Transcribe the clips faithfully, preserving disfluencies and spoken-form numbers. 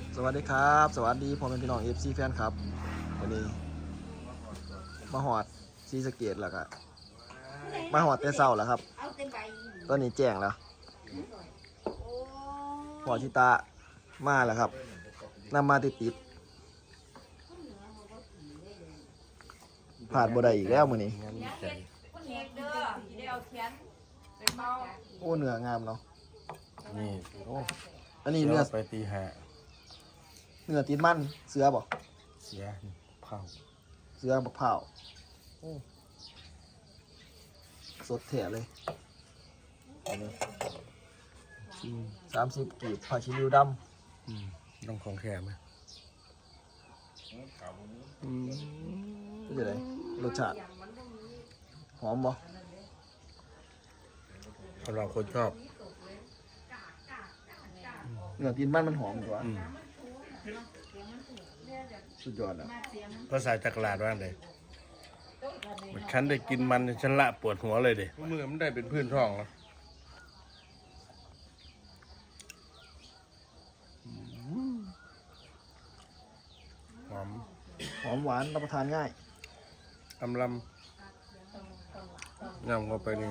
สวัสดีครับสวัสดีพ่อแม่พี่น้องเอฟซีแฟนครับวันนี้มาหอดซีสะเกตแล้วก็มาหอดแต่เช้าแล้วครับตอนนี้แจ้งแล้วพอชิตามาแล้วครับนำมาติดติดผ่านบ่ได้อีกแล้วมื้อนี้โอ้เนื้องามเนาะนี่โอ้อันนี้เนื้อไปตีหาเนื้อติดมันเสือบ่เสียเผาเสือบักเผาวโอ้สดแท้เลยสามสิบกีบผักชีริวดำอืมต้องของแข็ไหมเป็นยังไงรสชาติหอมบ่สำหรับคนชอบเนื้อตีนมันมันหอมกว่าอืมสุดยอดอ่ะภาษาจักรลาดว่าไงฉันได้กินมันฉันละปวดหัวเลยเด็มือมันได้เป็นพื้นท้องแล้วหอมหอมหวานรับประทานง่ายอำลำยำเข้าไปนี่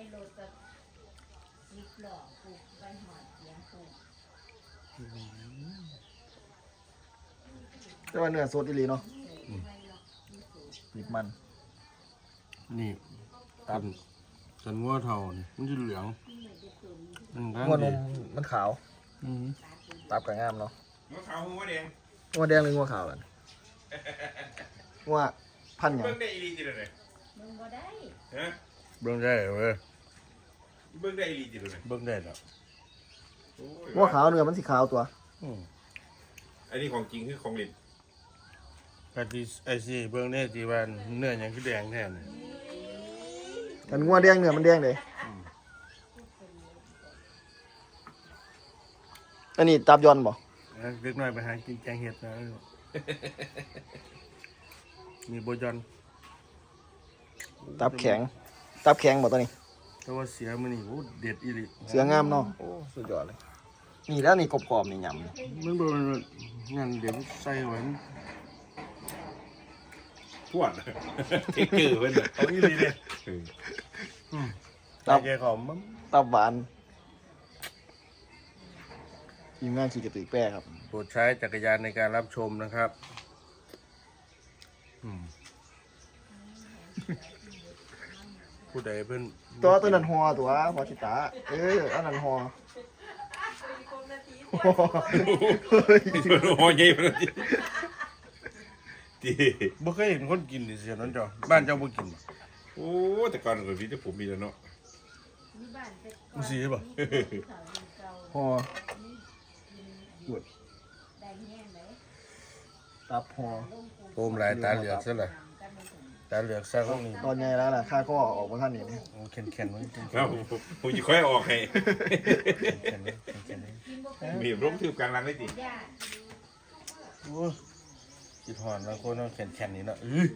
แต่ว่าเนื้อสดอีหลีเนาะติดมันนี่ตันสันงัวเทานี่มันจะเหลืองอืมงัวนมมันขาวอืมตับกับงามเนาะหัวขาวหัวแดงงัวแดงหรืองัวขาวกันงัวพันธุ์หยังเบิ่งได้อีหลีจิเลยฮะเบิ่งได้เว้ยเบิ่งได้อีหลีจิเลยเบิ่งได้แล้วงัวขาวเนื้อมันสีขาวตัวอืมอันนี้ของจริงคือของเล่นกะทิไอซีเบิ่งได้ที่ว่าเนื้อหยังคือแดงแท้นี่กันงัวแดงเนื้อมันแดงเลยอันนี้ตับยอนบ่แล้วเล็กน้อยไปหากินแกงเห็ดนะมีโบยอนตับแข็งตับแข็งบ่ตัวนี้แต่ว่าเสียมื้อนี้โอ้เด็ดอีหลีเสืองามเนาะโอ้สุดยอดเลยนี่แล้วนี่กรอบๆนี่ยำนี่มันบ่งานเดี๋ยวใส่ไว้พวดเทคเกอร์เพิ่นน่ะเอาอีหลีเด้อืมตับแกขอมมันตับหวานทีมงานขี่กระตือแป้ครับโปรดใช้จักรยานในการรับชมนะครับอืมผู้ใดเพิ่นตัวตัวนั้นหอตัวพอชิตาเอ้ยอันนั้นหอเฮ้ยโอ้ยใหญ่เพิ่นติติบ่เคยเห็นคนกินดิเสียนั่นจ้ะบ้านเจ้าบ่กินบ่โอ้แต่ก่อนก็มีแต่ผมมีแล้วเนาะมึงสิบ่หอหยุดตับหอโอมหลายตาเหลือกซะล่ะตาเหลือกซะของนี่ตอนไงแล้วล่ะค่าก็ออกมาท่านนี่นี่โอ้แข็งๆมันแข็งๆเอ้าผมผมสิค่อยออกให้แข็งๆเลยแข็งๆเลยมีร่มทืบกลางหลังได้ติโอ้คิดฮอดแล้วคนเอาแข็งๆนี่เนาะอื้อ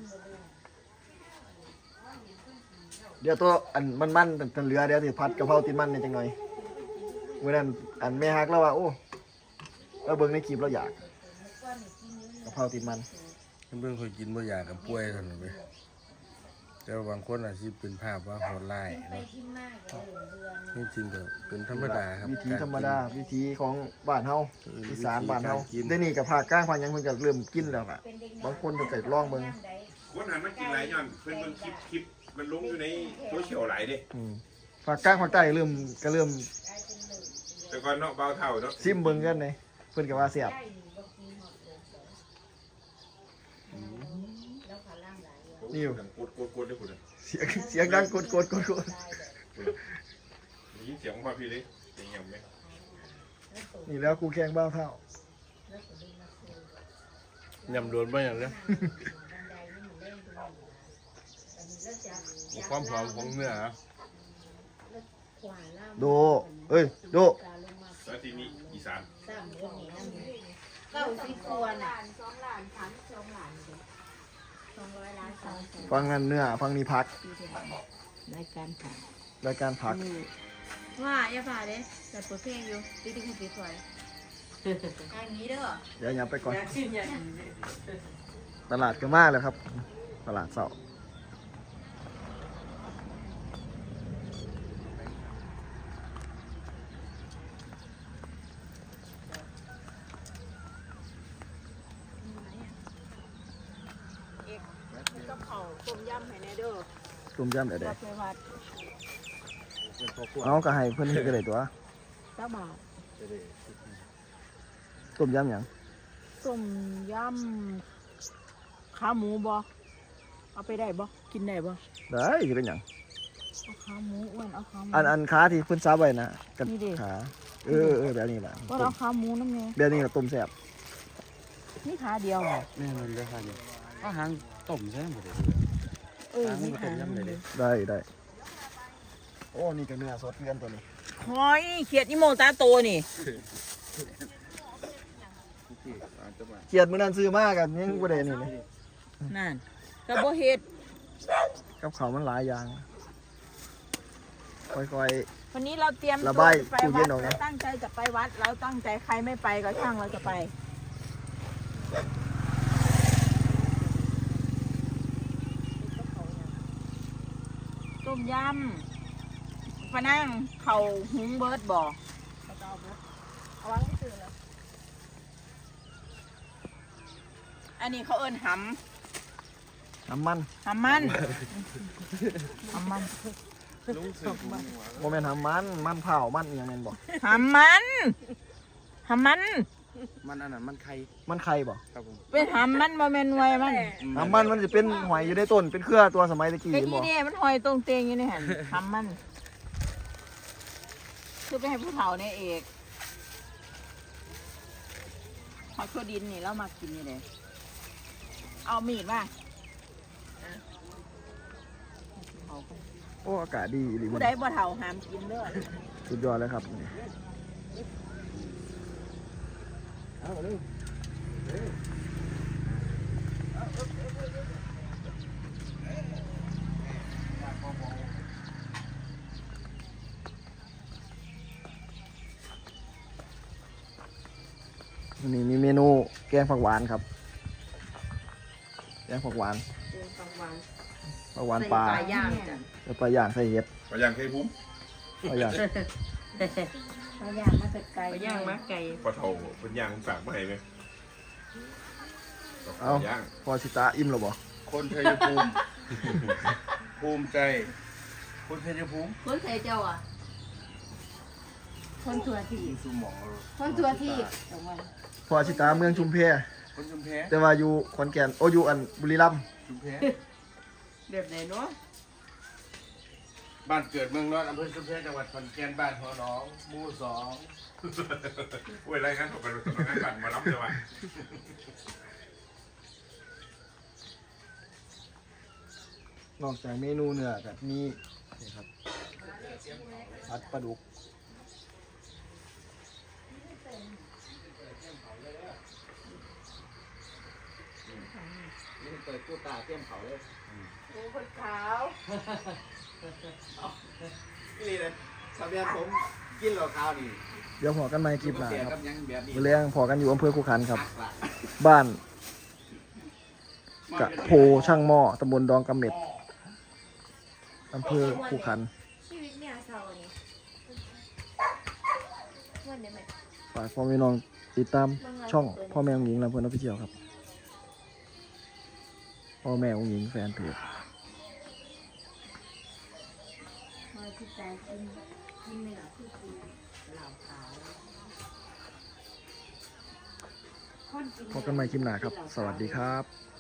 เดี๋ยวตัวอันมันมันๆตันเหลือเดี๋ยวสิพัดกะเพราติดมันเนี่ยจังหน่อยเมื่อนั้นอันแม่ฮักแล้วว่าโอ้เราเบิ่งในคลิปเราอยากกะเพราติดมันเพิ่นเคยกินบ่อยากกับป่วยซั่นน่ะเว้ยแต่ว่าบางคนอาจสิเป็นภาพว่าโหดร้ายเนาะจริงๆก็เป็นธรรมดาครับวิธีธรรมดาวิธีของบ้านเฮาเอออีสานบ้านเฮาวิธีการกินได้นี่กับภาคกลางภาคหยังเพิ่นก็เริ่มกินแล้วล่ะบางคนเพิ่นก็ลองเบิ่งคนหันมากินหลายย้อนเพิ่นเบิ่งคลิปคลิปมันลงอยู่ในโซเชียลหลายเด้อืมภาคกลางภาคใต้เริ่มก็เริ่มแต่ก่อนเนาะเบาเท่าเนาะซิมเบิ่งกันเลยเพิ่นก็ว่าแซ่บ นี่อยู่กดกดกดได้พุ่นน่ะเสียงเสียงดังกดกดกดกดได้ยินเสียงมาพี่เลยเสียงยังไหมนี่แล้วกูแข่งบ้าวเท่ายำโดนบ่อย่างเด้อความหอมของเนื้อโดเอ้ยโดแล้วทีนี้อีสานเก้าสิบตัวน่ะฟังนั่นเนื้อฟังนี่พักรายการค่ะรายการพักว่าอย่าผ่าเด้แต่เปิดเพลงอยู่ติ๊กติ๊กติ๊กสวยอันนี้เด้อเดี๋ยวยับไปก่อนอยากชิมอยากกินตลาดก็มากเลยครับ ตลาดเสาร์กับเขาต้มยำให้แน่เด้อตุ่มยำเดี๋ยวรับไปวัดๆเอาก็ให้เพื่อนให้กันเลยตัวเจ้าบาทตุ่มยำหยังต้มยำขาหมูบ่เอาไปได้บ่กินได้บ่ได้จะเป็นหยังเอาขาหมูอ้วนเอาขาหมูอันอันขาที่เพิ่นซับไว้นะกันนี่ดิขาเออเออแบบนี้แหละว่าเอาขาหมูน้ำแน่แบบนี้แหละต้มแซ่บนี่ขาเดียวเหรอแม่มันได้ค่ะเนี่ยก็หางต้มใช่ไหมหมดเลยเออนี่ขาต้มยำเลยเด้ได้ได้โอ้นี่ก็เนื้อสดเพื่อนตัวนี้หอยเขียดอีโมตาโตนี่เกียดมื้อนั้นซื้อมากันยังบ่ได้นี่เลยนั่นกระโบเฮ็ดกับเขาวมันหลายอย่างค่อยวันนี้เราเตรียมระตัวบายจะไปตู้เย็วัดนออกนะเราตั้งใจจะไปวัด เราตั้งใจใครไม่ไปก็ช่างเราจะไป ต้มยำปะนั่งเข่าหุงเบิร์ดบ่เอาวางที่ตื่นแล้วอันนี้เขาเอิ้นหๆน้ำมันำหำมันหำมันบ่แม่นน้ำมันมันเผามันอีหยังแม่นบ่หำมันหำมันมันอันนั้นมันไข่มันไข่บ่ครับผมเป็นหำมันบ่แม่นหน่วยมันน้ำมันมันจะเป็นหอยอยู่ในต้นเป็นเครือตัวสมัยตะกี้ไอ้เห็นนี่บ่เนี่ยมันหอยตรงเตงอยู่ในหันหำมัน คือไปให้ผู้เฒ่าเนี่ยเอกหอยโคดินนี่เรามากินนี่เลยเอามีดมาเอาไปโอ้อากาศดีอีหลีมัผู้นใดบ่เฒ่าห้ามกินเด้อสุดยอดเลยครับนี่มีเมนูแกงผักหวานครับแกงผักหวานผักหวานปลาย่างจ้ะแล้วปลาย่างใส่เห็ดไปยังเคยพุ่มปลาย่างปลาย่างมาแต่ไกลไปย่างมาไก่ปลาเทาเป็นย่างฝากมาให้ไหมเอาย่างพอสิตาอิ่มแล้วบ่คนชัยภูมิ ภูมิใจ คนชัยภูมิคนใส่เจ้าอ่ะ คนตัวที่สูหมองคนตัวที่ตรงวันพอสิตาเมืองชุมแพคนชุมแพแต่ว่าอยู่ขอนแก่นโอ้อยู่อันบุรีรัมย์ชุมแพแบบไหนเนาะบ้านเกิดเมืองนอนอำเภอชุมแพจังหวัดขอนแก่นบ้านหัวหนองหมู่สองโอ้ยไรงั้นผมเป็นคนงานกันมารับเลยว่ะนอกจากเมนูเนื้อกับมีนี่ครับผัดปลาดุกนี่เปิดตู้ตาเตรียมเขาเลยโอ้คนขาวนี่เลยทะเบียนผมกินเหล้าขาวนี่เดี๋ยวพอกันใหม่คลิปหน้าเสียคกัรับบ ยังแบบนี้มื้อแรงพอกันอยู่อำเภอคูขันครับหักละบ้านกะโพช่างหม้อตำบลดองกำเม็ดอำเภอคูขันชีวิตเนี่ยเศร้าเนี่ยวันเดียวไหมฝากพ่อแม่น้องติดตามช่องพ่อแม่องหญิงลำเพลินออฟฟิเชียลครับพ่อแม่องหญิงแฟนเพจพอที่ใจกินกินเนื้อคือคือเหล่าขาวคนกินพบกันใหม่คลิปหน้าครับ สวัสดีครับเ